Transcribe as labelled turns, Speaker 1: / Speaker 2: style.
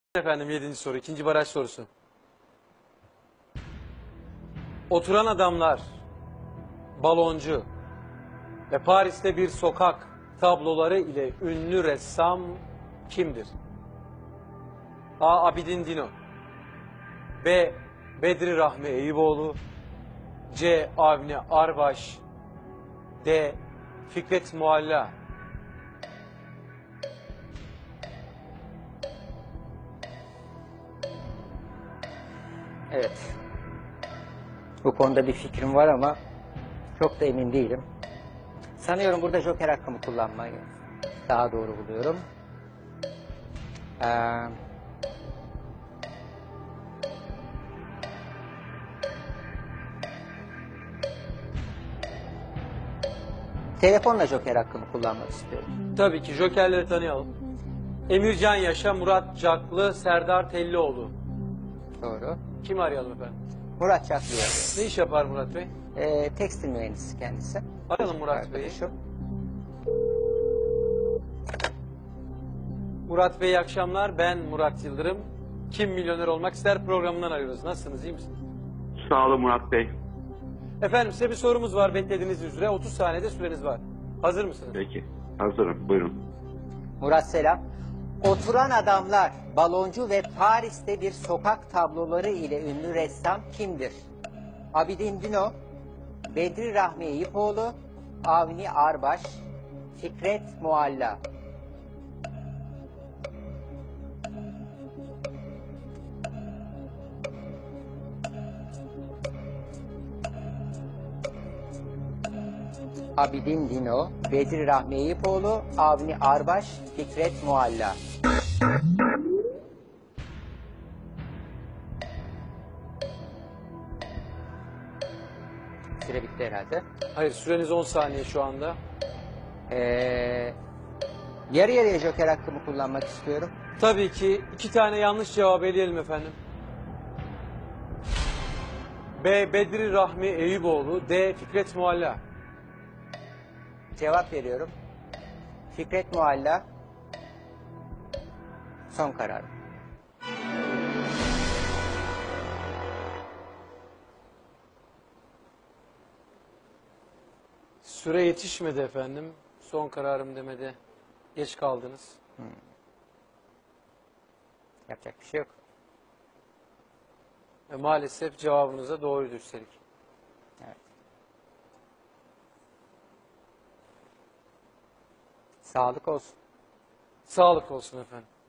Speaker 1: Efendim 7. soru, ikinci baraj sorusu. Oturan adamlar, baloncu ve Paris'te bir sokak tabloları ile ünlü ressam kimdir? A. Abidin Dino, B. Bedri Rahmi Eyüboğlu, C. Avni Arbaş, D. Fikret Mualla.
Speaker 2: Evet. Bu konuda bir fikrim var ama çok da emin değilim. Sanıyorum burada joker hakkımı kullanmayı daha doğru buluyorum. Telefonla joker hakkımı kullanmak istiyorum.
Speaker 1: Tabii ki jokerleri tanıyalım. Emircan Yaşa, Murat Caklı, Serdar Tellioğlu.
Speaker 2: Doğru.
Speaker 1: Kimi arayalım efendim?
Speaker 2: Murat Çaklı'ya.
Speaker 1: Ne iş yapar Murat Bey?
Speaker 2: Tekstil mühendisi kendisi.
Speaker 1: Arayalım Murat Bey'i.
Speaker 2: Arkadaşım.
Speaker 1: Murat Bey iyi akşamlar. Ben Murat Yıldırım. Kim Milyoner Olmak İster programından arıyoruz. Nasılsınız, iyi misiniz?
Speaker 3: Sağ olun Murat Bey.
Speaker 1: Efendim size bir sorumuz var beklediğiniz üzere. 30 saniyede süreniz var. Hazır mısınız?
Speaker 3: Peki. Hazırım. Buyurun.
Speaker 2: Murat selam. Oturan adamlar, baloncu ve Paris'te bir sokak tabloları ile ünlü ressam kimdir? Abidin Dino, Bedri Rahmi Eyüpoğlu, Avni Arbaş, Fikret Mualla. Abidin Dino, Bedri Rahmi Eyüpoğlu, Avni Arbaş, Fikret Mualla. Süre bitti herhalde.
Speaker 1: Hayır, süreniz 10 saniye şu anda.
Speaker 2: Yarı yarıya joker hakkımı kullanmak istiyorum.
Speaker 1: Tabii ki 2 tane yanlış cevap eleyelim efendim. B. Bedri Rahmi Eyüboğlu, D. Fikret Mualla.
Speaker 2: Cevap veriyorum. Fikret Mualla. Son karar.
Speaker 1: Süre yetişmedi efendim. Son kararım demede geç kaldınız.
Speaker 2: Yapacak bir şey yok.
Speaker 1: Ve maalesef cevabınıza doğruydu üstelik.
Speaker 2: Evet. Sağlık olsun.
Speaker 1: Sağlık olsun efendim.